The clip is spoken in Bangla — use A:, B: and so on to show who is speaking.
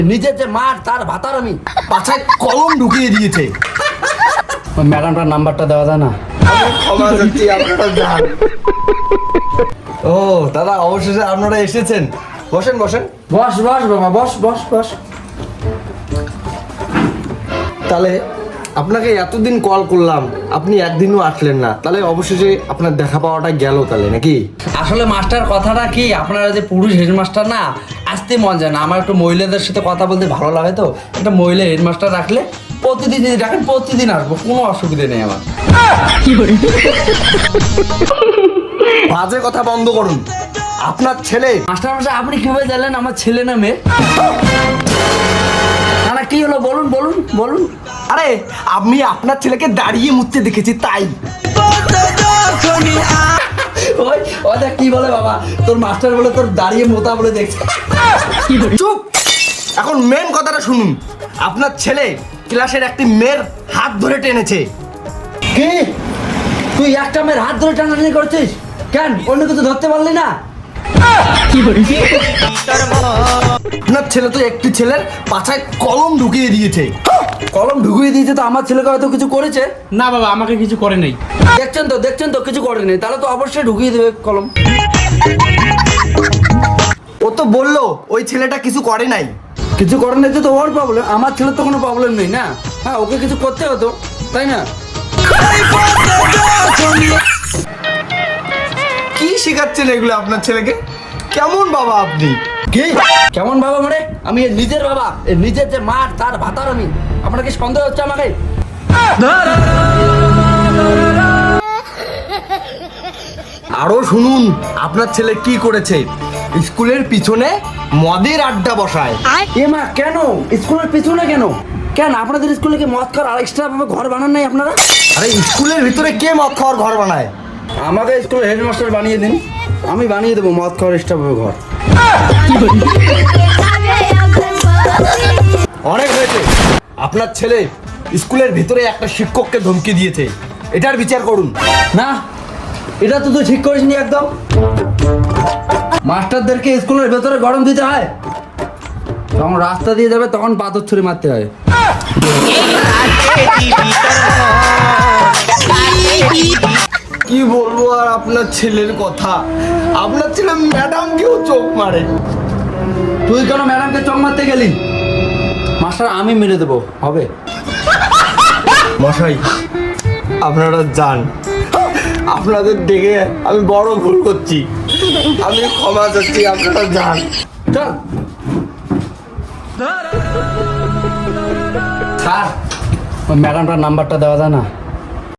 A: নিজের যে মার তার ভাতার আমি
B: পাছায় কলম ঢুকিয়ে দিয়েছে।
A: ওই ম্যাডামটার নাম্বারটা দেওয়া যায় না?
B: ক্ষমা চাচ্ছি, আপনারা যান। ও দাদা, অবশেষে আপনারা এসেছেন। বসেন বসেন।
A: বস বস বাবা, বস বস বস।
B: তাহলে আপনাকে এতদিন কল করলাম, আপনি একদিনও আসলেন না, তাহলে অবশেষে আপনার দেখা পাওয়াটা গেল তাহলে নাকি?
A: আসলে মাস্টার কথাটা কি, আপনারা যে পুরুষ হেডমাস্টার না, আসতে মন যায় না। আমার একটু মহিলাদের সাথে কথা বলতে ভালো লাগে, তো একটা মহিলা হেডমাস্টার রাখলে প্রতিদিন যদি রাখেন প্রতিদিন আসবো, কোনো অসুবিধা নেই আমার।
B: বাজে কথা বন্ধ করুন। আপনার ছেলে
A: মাস্টার মাস্টার আপনি কিভাবে জানলেন আমার ছেলে না মেয়ে? না না, কি হলো বলুন বলুন বলুন।
B: আরে আমি আপনার ছেলেকে দাঁড়িয়ে মুততে দেখেছি তাই।
A: ওই ওই দেখ কি বলে বাবা, তোর মাস্টার বলে তোর দাঁড়িয়ে মোতা বলে দেখছে।
B: চুপ! এখন মেন কথাটা শুনুন। আপনার ছেলে ক্লাসের একটি মেয়ের হাত ধরে টেনেছে।
A: কি তুই একটা মেয়ের হাত ধরে টানাটানি করছিস? কেন অন্য কিছু ধরতে পারলি না?
B: আপনার ছেলে তো একটি ছেলের পাছায় কলম ঢুকিয়ে দিয়েছে।
A: কলম ঢুকিয়ে দিয়েছে তো আমার ছেলেকে হয়তো কিছু করেছে।
C: না বাবা, আমাকে কিছু করে নাই।
A: দেখছেন তো কিছু করেনি, তাহলে তো অবশ্যই ঢুকিয়ে দেবে কলম।
B: ও তো বললো ওই ছেলেটা কিছু করে নাই।
A: কিছু করেন নাই তো ওর প্রবলেম, আমার ছেলের তো কোনো প্রবলেম নেই না। হ্যাঁ, ওকে কিছু করতে হতো, তাই না?
B: কি শেখাচ্ছেন এগুলো আপনার ছেলেকে? কেমন বাবা আপনি?
A: কি কেমন বাবা মানে? আমি এর নিজের বাবা, এর নিজের যে মার তার ভাতার আমি। আপনার কি সন্দেহ হচ্ছে আমাকে?
B: আরো শুনুন আপনার ছেলে কি করেছে। স্কুলের পিছনে মদের আড্ডা বসায়।
A: এ মা, কেন স্কুলের পিছনে কেন? কেন আপনাদের স্কুলে কি মদ খাওয়ার এক্সট্রা ভাবে ঘর বানান নাই আপনারা?
B: আরে স্কুলের ভিতরে কে মদ খাওয়ার ঘর বানায়?
A: আমাকে স্কুলের হেডমাস্টার বানিয়ে দিন, আমি বানিয়ে দেবো মদ খাওয়ার এক্সট্রা ভাবে ঘর।
B: অনেক হয়েছে। আপনার ছেলে স্কুলের ভিতরে একটা শিক্ষককে ধমকি দিয়েছে, এটার বিচার করুন।
A: না, এটা তো তুই ঠিক করিসনি একদম। মাস্টারদেরকে স্কুলের ভেতরে গরম দিতে হয়, যখন রাস্তা দিয়ে যাবে তখন পাথর ছুরি মারতে হয়।
B: কি বলবো আর আপনার ছেলের কথা। আপনার ছেলে ম্যাডামকেও চোখ মারে।
A: তুই কেন ম্যাডামকে চক মারতে গেলি? মাস্টার আমি মেরে দেবো, হবে?
B: মশাই আপনারা যান, আপনাদের দেখে আমি বড় ভুল করছি, আমি ক্ষমা চাচ্ছি, আপনারা যান।
A: চল স্যার, ওই ম্যাডামটার নাম্বারটা দেওয়া যায় না?